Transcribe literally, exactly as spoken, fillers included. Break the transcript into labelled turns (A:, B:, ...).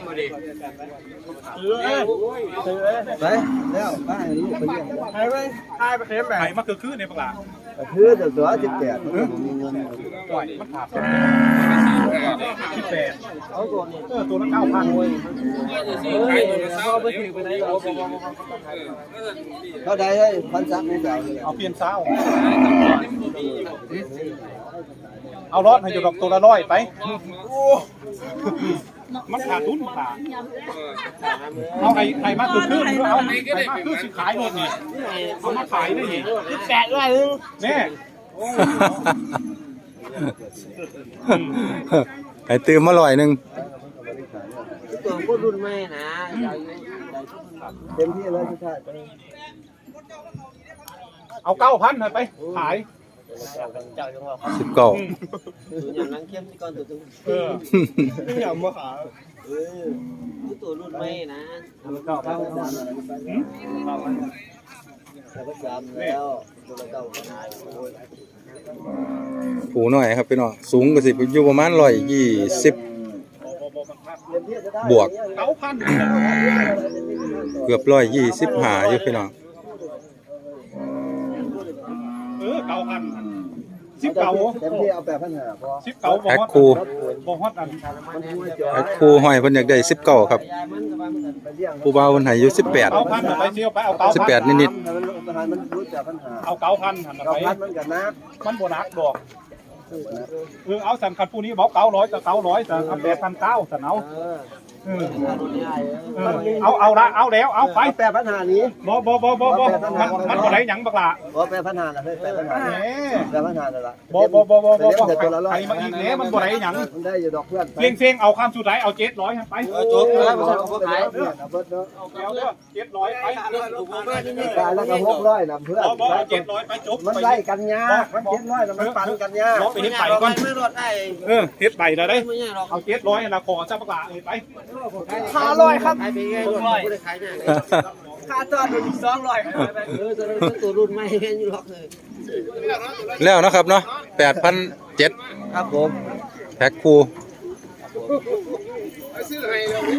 A: ไปแล้วไปลูกไปเยี่ยมไปไปไปไปเข็มแบบ
B: ไข่มาคือคือในปลา
A: คือเดี๋ยวตัวสิบแปดมีเงิน
B: ปล่อยมันขาดสิบแปด
A: เอาตัวนี้
B: เออตัวละเก้าพัน
A: เขาไปถือไปไหนเราเขาได้ให้พันสามเจ้า
B: เอาเปลี่ยนเศร้าเอารอดให้อยู่ดอกตัวละร้อยไปมันขาดทุนขาดเอาไข่ไข่มาคือคือเอาไข่มาคือสิขายรถนี่เอามาขายได้นี่แปดร้อยนึงแน่
C: ไอ้ตื่มมาลอยหนึ่ง
A: ตัวก็รุ่นแม่นะเต็มที่เลยทุกท่าน
B: เอาเก้าพันไปขาย
C: สิบเก้า
A: อย่างนั้นเข้มที่ก่อนตัวตึง
B: เออไม่อยากมาขาย
A: เออตัวรุ่นแม่นะเก้าพันสามเก้าพันสามแล้วตัวเก้าพัน
C: ผูหน่อยครับพี่น้องสูงก็สิอยู่ประมาณร้อยยี่สิบบวก
B: เก้าพัน
C: เกือบร้อยยี่สิบหาอยู่พี่น้อง
B: เออเก้าพันสิบเก้า
A: เต็มที่เอาแปดพันห้าพอ
B: สิบเก้า
C: แพ็คคู
B: บอกฮอดอัน
C: แพ็คคูห้อยเพิ่นอยากได้สิบเก้าครับผู้บ่าวเพิ่นให้อยู่สิบแปด
B: เก้าพันไปเชียวไปเอาเก้า
C: สิบแปดนิด
A: มันรู้จักปัญหา
B: เอาเก้าพันหัน
A: เก้า
B: ไป
A: พันมันกันนะ
B: มันโบนัสดอกเออเอาสันคันผู้นี้บอกเก้าร้อยกับเก้าร้อยแต่เอาแปดพันเก้าสันเอาเออเอาเอาละเอาแล้วเอาไป
A: แปดพันห้านี้
B: บ่บ่บ่บ่บ่มันมันบ่ได้หยังบักละ
A: บ่แปดพันห้าละเฮ้ยแปดพันห้า
B: แหม
A: แปดพันห้าละ
B: บ่บ่บ่บ่บ่บ่
A: แต่ตัวละร้อ
B: ใคร
A: ย
B: มาอีกแล้วมันบ่ได้หยัง
A: มันได้อยู่ดอกเพื่อน
B: เสียงเสียงเอาข้ามสุดท้ายเอาเจ็ดร้อยไป
A: จบแล้วมันก็ขายเพื่อนเบิดเนาะ
B: เอาแล้วเจ็ดร้อยไป
A: ขายแล้วก็หกร้อยนำเพื่อน
B: บ่บ่เอาเจ็ดร้อยไปจบ
A: มันไล่กันยากมันเจ็ดร้อยแล้วมันปันกันยาก
B: ลองไปเฮ็ดใบก่อน
A: ไม่รอดได้
B: เออเฮ็ดใบแล้วได้
A: ไม่ยากหรอก
B: เอาเจ็ดร้อยนะขอเจ้าบักละเอ้ยไป
A: ห้าร้อยครับขายไปง่ายรถไม่ได้ขายง่ายค่าจอดอีกสองร้อยเออตัวรุ่นไม่เห็นอยู่หรอกเลย
C: แล้วนะครับเนาะแปดพันเจ็ด
A: ครับผม
C: แพ็คคู